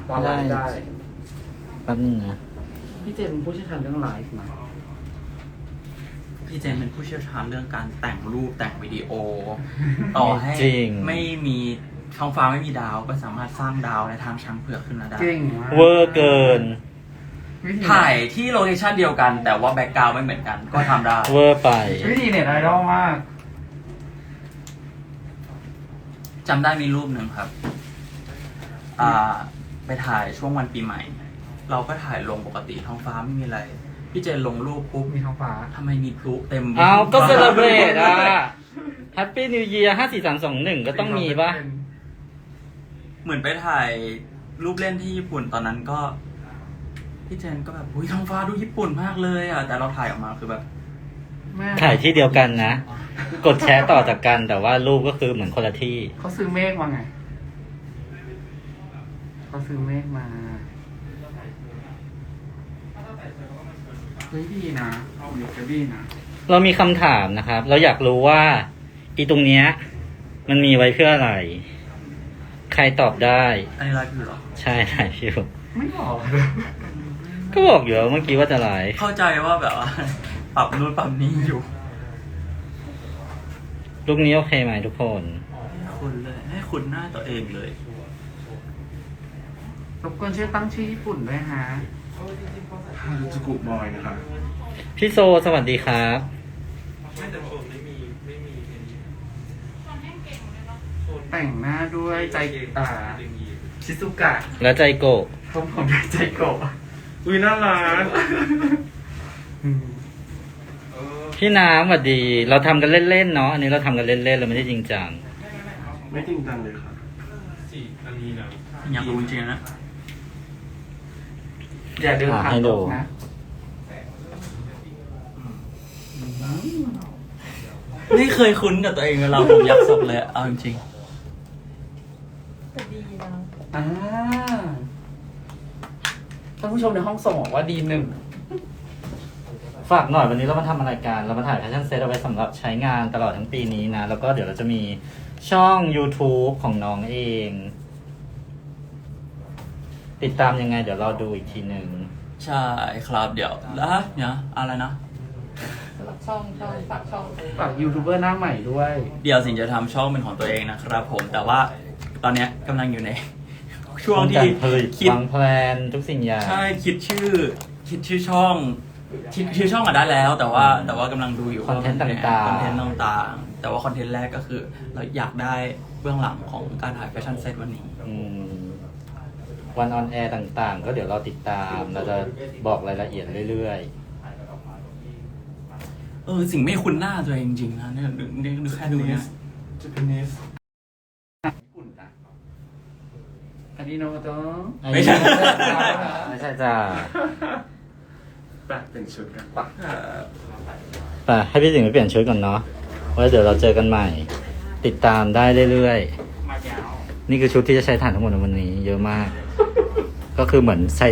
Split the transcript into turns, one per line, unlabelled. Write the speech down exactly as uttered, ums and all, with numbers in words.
ตอนไลฟ์ได้
แป๊บนึงนะ
พี่เจมส์ผู้เชี่ยวชาญเรื่องไลฟ์ไหม
พี่เจมเป็นผู้เชี่ยวชาญเรื่องการแต่งรูปแต่งวิดีโอ ต่อให้
จริง
ไม่มีท้องฟ้าไม่มีดาวก็สามารถสร้างดาวในทางช้างเผือกขึ้นมาได้
เก่งมาก
เวอร์เกิน
วิธี
ถ่ายที่โลเคชั่นเดียวกัน แต่ว่าแบ็กกราวด์ไม่เหมือนกันก็ทำได้
เวอร์ไป
วิธีเน็ตไอดอลมาก
จำได้มีรูปหนึ่งครับ อ่า ไปถ่ายช่วงวันปีใหม่ เราก็ถ่ายลงปกติท้องฟ้าไม่มีอะไร พี่เจนลงรูปปุ๊บ
มีท้องฟ้า
ทำไมมีพลุเต็ม
เอาก็เซเลบรตอ่ะ Happy New Year ห้า สี่ สาม สอง หนึ่งก็ต้องมีปะ
เหมือนไปถ่ายรูปเล่นที่ญี่ปุ่นตอนนั้นก็ พี่เจนก็แบบอุ้ยท้องฟ้าดูญี่ปุ่นมากเลยอ่ะ แต่เราถ่ายออกมาคือแบบ
แม่
ถ่ายที่เดียวกันนะ กดแชร์ต่อจากกันแต่ว่ารูปก็คือเหมือนคนละที่
เขาซื้อเมฆมาไงเขาซื้อเมฆมาเฮ้ยดีนะเอาเดี๋ยวจะดีนะ
เรามีคำถามนะครับ เราอยากรู้ว่าอีตรงเนี้ยมันมีไว้เพื่ออะไร ใครตอบได้
อันนี้ไลฟ์อยู่เหรอ
ใช่ถ่ายอยู่
ไม่บอกเลย
ก็บอกอยู่แล้วเมื่อกี้ว่าจะไลฟ์
เข้าใจว่าแบบว่า ปรับนู่นปรับนี่อยู่
ลูกนี้โอเคไหมทุกคน
ให้คุณเลย ให้คุณหน้าตัวเองเลย
รบกวนช่วยตั้งชื่อญี่ปุ่นด้วยฮะ
ฮารุจูกุบอยนะครับ
พี่โซสวัสดีครับ
แต่งหน้าด้วยใจตาชิซุกะ
และใจโกะ
ผมผมด้วยใจโกะ
อุ้ยน่ารัก
พี่น้ำสวัสดี เราทำกันเล่นๆเนาะอันนี้เราทำกันเล่นๆเราไม่ได้จริงจัง
ไม่จริงจังเลยครับ
อยากรู้จริงๆนะ
อย่าเดินผ่าน
ให้ดู
ตกนะ
ไม่เคยคุ้นกับตัวเองเวลาผมยักศพเลยอะเอาจริง
แต่ดีนะ
อ่าท่านผู้ชมในห้องส่งบอกว่าดีหนึ่ง
ฝากหน่อยวันนี้เรามาทำอะไรกันเรามาถ่ายแฟชั่นเซตเอาไว้สำหรับใช้งานตลอดทั้งปีนี้นะ แล้วก็เดี๋ยวเราจะมีช่อง YouTube ของน้องเอง ติดตามยังไงเดี๋ยวเราดูอีกทีหนึ่ง
ๆ ใช่ครับเดี๋ยวแล้วเนี่ยอะไรนะ
สำหรับช่องช่องฝากช่อง
ฝากยูทูบเบอร์หน้าใหม่ด้วย
เดี๋ยวสิงจะทำช่องเป็นของตัวเองนะครับผม แต่ว่าตอนเนี้ยกำลังอยู่ใน ช่วงที่
การผลิต
คิด
วางแพลนทุกสิ่งอย่าง
ใช่คิดชื่อ คิดชื่อช่องคิดชื่อช่องมาได้แล้ว แต่ว่าแต่ว่ากำลังดูอยู่
คอนเทนต์ต่างๆ
คอนเทนต์ต่างๆ แต่ว่าคอนเทนต์แรกก็คือ เราอยากได้เบื้องหลังของการถ่ายแฟชั่นเซตวันนี้
อืมวันออนแอร์ต่างๆ ก็เดี๋ยวเราติดตาม เราจะบอกรายละเอียดเรื่อย
เออสิ่งไม่คุ้นหน้าตัวเองจริงๆนะเนี่ยดูดูดูแค่ดูเนี่ย
เจแปนิส
ญี่ปุ่นจ้ะอันนี้โนโตะ
ๆ
ไม่ใช่
ไม่ใช่จ้า
แปะเป็นชุดกัน
แต่ให้พี่สิงห์ไปเปลี่ยนชุดก่อนเนาะไว้เดี๋ยวเราเจอกันใหม่ ติดตามได้เรื่อย
มายาว
ๆ นี่คือชุดที่จะใช้ถ่านทั้งหมดในวันนี้ เยอะมาก ก็คือเหมือนใส่